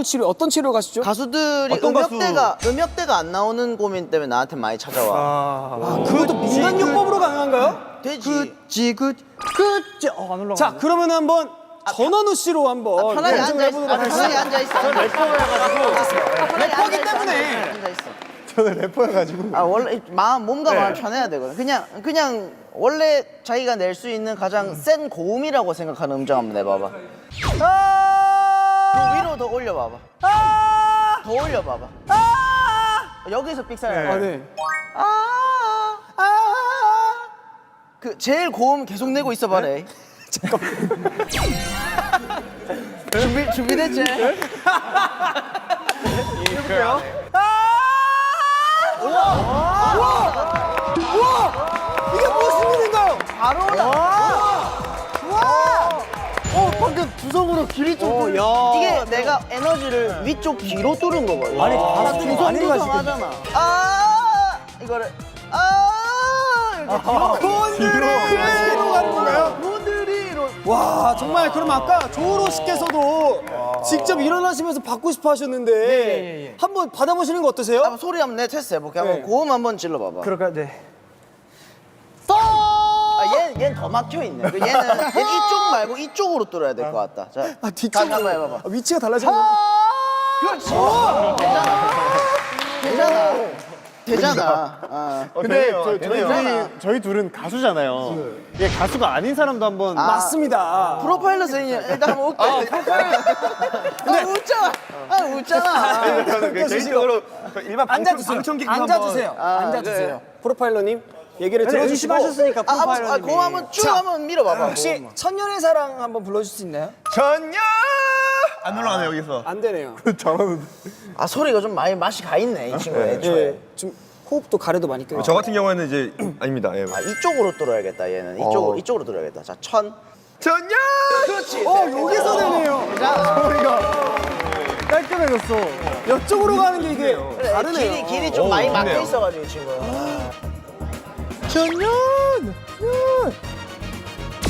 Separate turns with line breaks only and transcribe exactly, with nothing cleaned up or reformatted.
가수들 치료 어떤 치료 가시죠?
가수들이
어떤 가수?
음역대가 음역대가 안 나오는 고민 때문에 나한테 많이 찾아와.
아, 그것도 민간요법으로 가능한가요?
되지.
지긋
그치. 어, 안 올라가. 자, 그러면 한번 전원우 씨로 한번
아, 편하게
검증을
앉아 있어.
해보도록
아, 편하게
하겠습니다.
앉아 있어.
래퍼기 때문에.
앉아 있어.
저는 래퍼여가지고.
아 원래 마음 몸과
네.
마음 편해야 되거든. 그냥 그냥 원래 자기가 낼 수 있는 가장 센 고음이라고 생각하는 음정 한번 내봐봐. 그 위로 더 올려봐봐. 더 올려봐봐. 여기서 삑사리.
아, 네.
아, 아, 그 제일 고음 계속 내고 있어봐래. 잠깐만. 준비 준비됐지?
해볼게요. 우와! 이게 무슨 일인가요?
바로 올라.
와!
어 방금 두성으로 길이 좀.
어, 야.
이게 내가 에너지를 위쪽 귀로 뚫은 거거든.
아니, 가수들이 많이 가시거든요.
하잖아. 아 이거를 아 이렇게
곤드레 뒤로 가는 건가요?
곤드리로.
와, 정말 그럼 아까 조으로 씨께서도 직접 일어나시면서 받고 싶어 하셨는데 한번 받아보시는 거 어떠세요?
한번 소리 한번 내 테스트 해볼게. 한번
네.
고음 한번 질러봐봐.
그럴까요? 네.
아, 얘는 얘는 더 막혀 있네. 얘는 얘는 이쪽 말고 이쪽으로 뚫어야 될 것 같다. 자,
아, 뒤쪽으로.
한번 해봐봐.
아, 위치가 달라지는 거.
그렇지. 되잖아. 되잖아. 되잖아. 아.
근데 저, 저희
되네요.
둘이 저희 둘은 가수잖아요. 이게 가수가 아닌 사람도 한번.
아.
맞습니다.
프로파일러는 일단 한번 웃게. 아, 프로파일러. 아, 웃잖아. 아, 웃잖아.
저는 그 개인적으로 일반
앉아주세요.
방청객
앉아주세요.
아,
앉아주세요.
네.
프로파일러님 얘기를 들어주시고
의심하셨으니까
아, 한번 아, 고음 한번 쭉
자,
한번 밀어봐봐.
혹시 천년의 사랑 한번 불러줄 수 있나요?
전혀 안 올라가네 여기서.
안 되네요.
잘하는데.
아, 소리가 좀 많이 맛이 가 있네, 이 친구 애초에.
예, 좀 호흡도 가래도 많이 껴요.
저 같은 경우에는 이제 아닙니다. 예.
아, 이쪽으로 뚫어야겠다, 얘는. 이쪽으로, 이쪽으로 뚫어야겠다. 자, 천.
전혀.
그렇지.
어, 여기서 되네요.
소리가 깔끔해졌어.
이쪽으로 가는 게 이게
그래,
다르네요.
길이, 길이 좀
오,
많이 막혀
좋네요.
있어가지고, 이 친구.
전혀.